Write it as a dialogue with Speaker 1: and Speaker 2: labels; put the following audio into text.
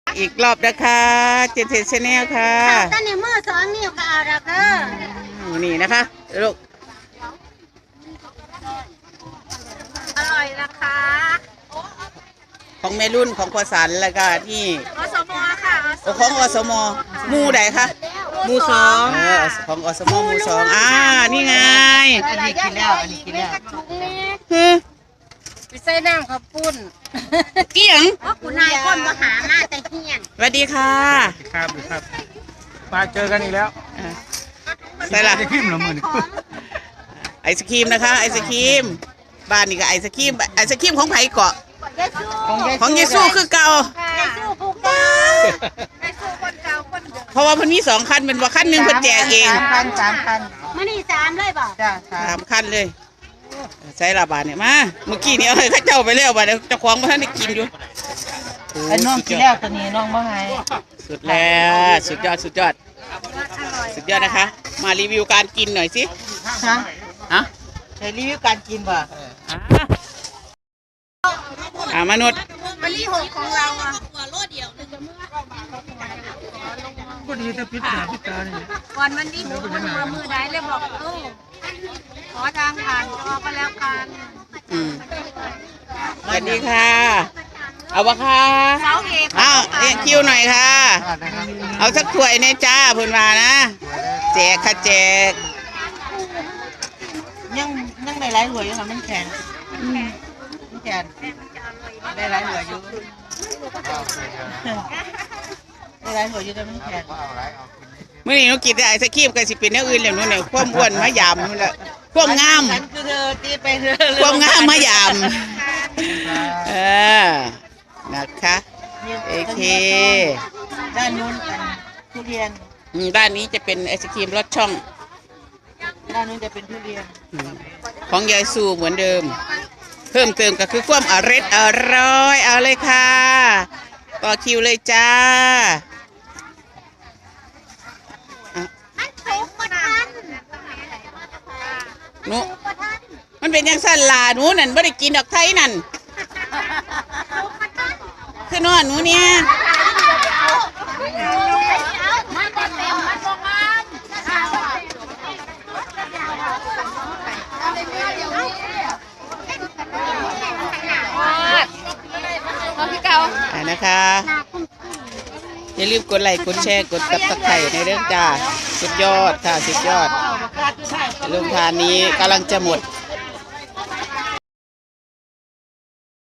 Speaker 1: อีกรอบนะคะเจนเทนชาแนลค่ะ
Speaker 2: ตอนนี้มือ2 นิ้วก็เอาแล้ว
Speaker 1: นี่นะคะลูก
Speaker 2: อร่อยนะคะ
Speaker 1: ของแม่รุ่นของพ่อสันแล้วก็ที่
Speaker 2: อสมค่ะ
Speaker 1: ของอสมหมู่ใดคะ
Speaker 2: หมู่2
Speaker 1: ของอสมหมู่2นี่ไง
Speaker 3: อันนี้กินแล้ว
Speaker 2: ไปใส่น้ำข้าวปุ้น
Speaker 1: เกี่ยง
Speaker 2: คุณนายคนมาหามาแต่เฮียน
Speaker 1: สวัสดีค่ะ
Speaker 3: ครับมาเจอกันอีกแล้ว
Speaker 1: ใส่ละ
Speaker 3: ไอศครีมเหรอมือ
Speaker 1: ไอศครีมนะคะไอศครีมบ้านนี่ก็ไอศครีมของไผ่เกาะของเยซูคือเก่าเพราะว่าเพิ่นมี2 คันเป็นว่าคันหนึ่งเพิ่นแจกเอง
Speaker 3: 3 คัน
Speaker 2: มื้อนี้3เลยบ่
Speaker 3: จ้า
Speaker 1: 3 คันเลยใส่ละบาทเนี่ยมาเมื่อกี้นี้เอาให้ข้าเจ้าไปแล้วบาทเจ้าของบ่ทันได้กินอยู่
Speaker 3: ไอ้น้องกินแล้วตัวนี้น้องบ่ให้
Speaker 1: สุดแล้วสุดยอดนะคะมารีวิวการกินหน่อยสิ
Speaker 3: ฮะใช้รีวิวการกินป่ะ
Speaker 1: มนุษย์
Speaker 2: วันที่6ของเราอ่ะ
Speaker 3: ก็ดีแต่พิษหาพิษตาเนี่ย
Speaker 2: วันที่6มือได้เลยบอกขอทางผ่านจอก็แล้วกัน
Speaker 1: สวัสดีค่ะเอาวะค่ะคิวหน่อยค่ะเอาสักถ้วยในจ้าพูนมานะแจกค่ะแจก
Speaker 3: ยังได้หลายหัวอยู่ค่ะมันแข็งได้หลายหัวอยู่ได้หลายหัวอยู่แต่มันแข็ง
Speaker 1: เมื่อนี้หนูกินแต่ไอศครีมกับสิเป็นอย่างอื่นแล้วนู่นเนี่ยความอ้วนมายามนู่นแหละความงามความงามมายามนะคะโอเค
Speaker 3: ด้านนู้นทุเรียน
Speaker 1: ด้านนี้จะเป็นไอศครีมรสช่อง
Speaker 3: ด้านนู้นจะเป็นทุเรียน
Speaker 1: ของยายสูเหมือนเดิมเพิ่มเติมก็คือความอร่อยเอาเลยค่ะต่อคิวเลยจ้าหนูมันเป็นยังสั่นลาหนูนั่นไม่ได้กินดอกไทยนั่นคือนอนหนูเนี่ยนะคะอย่าลืมกดไลค์กดแชร์กดซับสไครต์ในเรื่องจ้าสุดยอดค่ะสุดยอดโรงทานนี้กำลังจะหมด